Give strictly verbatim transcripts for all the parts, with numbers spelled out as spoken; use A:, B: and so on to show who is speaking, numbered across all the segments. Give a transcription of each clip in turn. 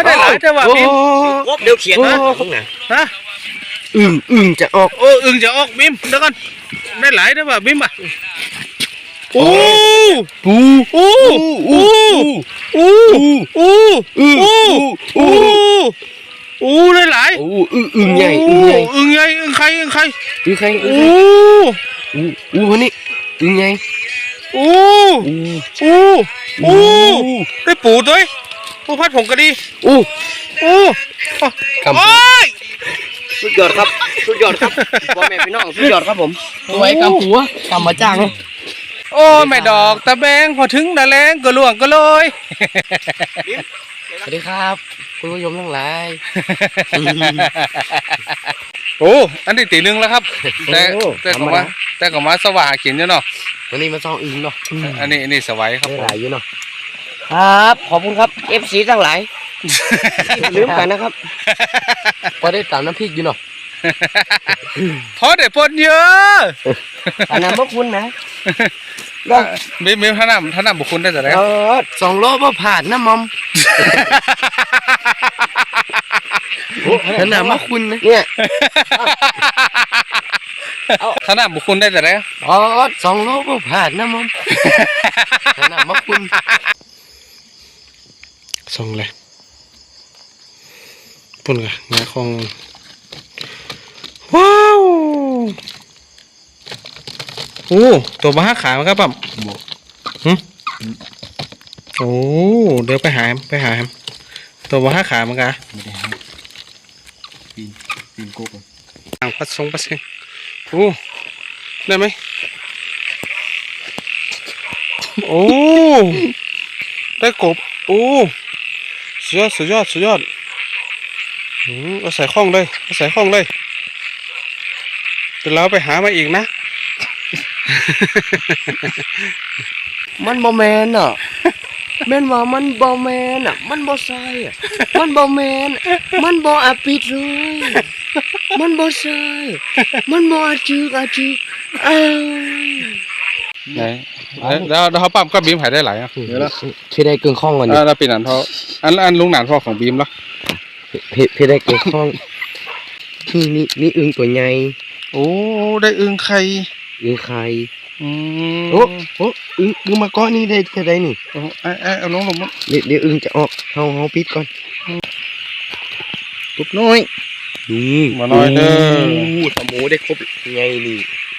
A: ได้หลายแต่ว่าบิม
B: เดี๋ยวเขียนนะ
A: ฮะ
B: อึ่งอึ่งจะออก
A: โอ้อึ่งจะออกบิมเดี๋ยวก่อนได้หลายแต่ว่าบิมอ่ะโอ้
B: ปู
A: โอ้โอ้โอ้โอ้โอ้โอ้โอ้ได้หลาย
B: โอ้อึ่งอึ่งใหญ่อึ่งใหญ่
A: อึ่งใหญ่อึ่งใครอึ่งใคร
B: อึ่งใคร
A: โอ้
B: โอ้โอ้นี่อึ่งใหญ่
A: โอ้โอ้โอ้ได้ปูด้วยปูพัดผงกระดี
B: โอ้
A: โอ้
B: โอ้ยสุดยอดครับสุดยอดครับพ่อแม่พี่น้องสุดยอดครับผมไว้กำหัวกำมาจ้าง
A: โอ้แม่ดอกตะแบงพอถึงดาแรงก็ล่วงก็ลอย
B: สวัสดีครับคุณผู้ชมทั้งหลาย
A: โอ้อันนี้ตีหนึ่งแล้วครับแต่แต่ก็มาแต่ก็มาสว่างกินอยู่เนาะ
B: วันนี้มาซ่องอึ่งเนาะ
A: อันนี้อันนี้สวัยครับ
B: หลายอยู่เนาะครับขอบคุณครับ เอฟ ซี ทั้งหลายลืมกันนะครับพอได้ตามน้ำพริกอยู่เนาะ
A: พอได้ปนเยอะ
B: อันนั้นพวกคุณนะ
A: มีมีท่าน้ำท่าน้ำบุคคลได้แต่ไหน
B: สองโลบ่ผ่านนะมอมท่าน้ำพวกคุณนะเนี่ย
A: ท่าน้ำบุคคลได้แต่ไหน
B: อ๋อสองโลบ่ผ่านนะมอมท่าน้ำพวกคุณส่งเลยปุ่นกะงาคอง
A: ว้าวโอ้ตัวบ้าขามันครับปั๊มฮึโอ้เดี๋ยวไปหาไปหาตัวบ้าขามันกะไม่ได้หาปีนปีนโก้ก่อนอ่างพัดทรงพัดเสียงโอ้ได้ไหมโอ้ได้กบโอ้สุดยอดสุดยอดสุดยอดอืมเอาใส่ข้องเลยเอาใส่ข้องเลยเดี๋ยวเราไปหามาอีกนะ
B: มันบอแมนอ่ะแม่นว่ามันบอแมนอ่ะมันบอใส่อ่ะมันบอแมนมันบออาปิดเลยมันบอใส่มันบออาจึกอาจึกเอ้
A: ไหนแล้วแล้วเขาปั๊มก็บีมหายได้หลายอ่ะ
B: เดี๋ยวแล้วพี่ได้เกึ่งข้องก่อน
A: อ่าเราปีนันเขาอันอันลุงหนานพ่อของบีมแล้ว
B: พี่พี่ได้เกึ่งข้องนี่นี่นี่อึ่งตัวใหญ่
A: โอ้ได้อึ่งไข่
B: อึ่งไข่
A: อืม
B: โอ้โอ้อึ่งอึ่งมาก้อนนี่ได้จะได้นี่
A: โอ้ไอ้ไอ้เอาลงลง
B: เดี๋ยวเดี๋ยวอึ่งจะออกเขาเขาปิดก่อน
A: ปุ๊บน้อย
B: นี่
A: มาน้อยเด้อ
B: สมูได้ครบไงนี่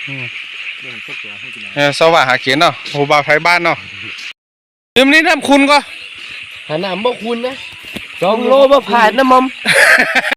A: เออสว่างหาเขียนเนาะโหบ่าวไทยบ้านเนาะเดี๋ยวนี้น้ำคุณก็
B: หาน้ำบ่คุณนะสองโลบ่ผ่านนะมอม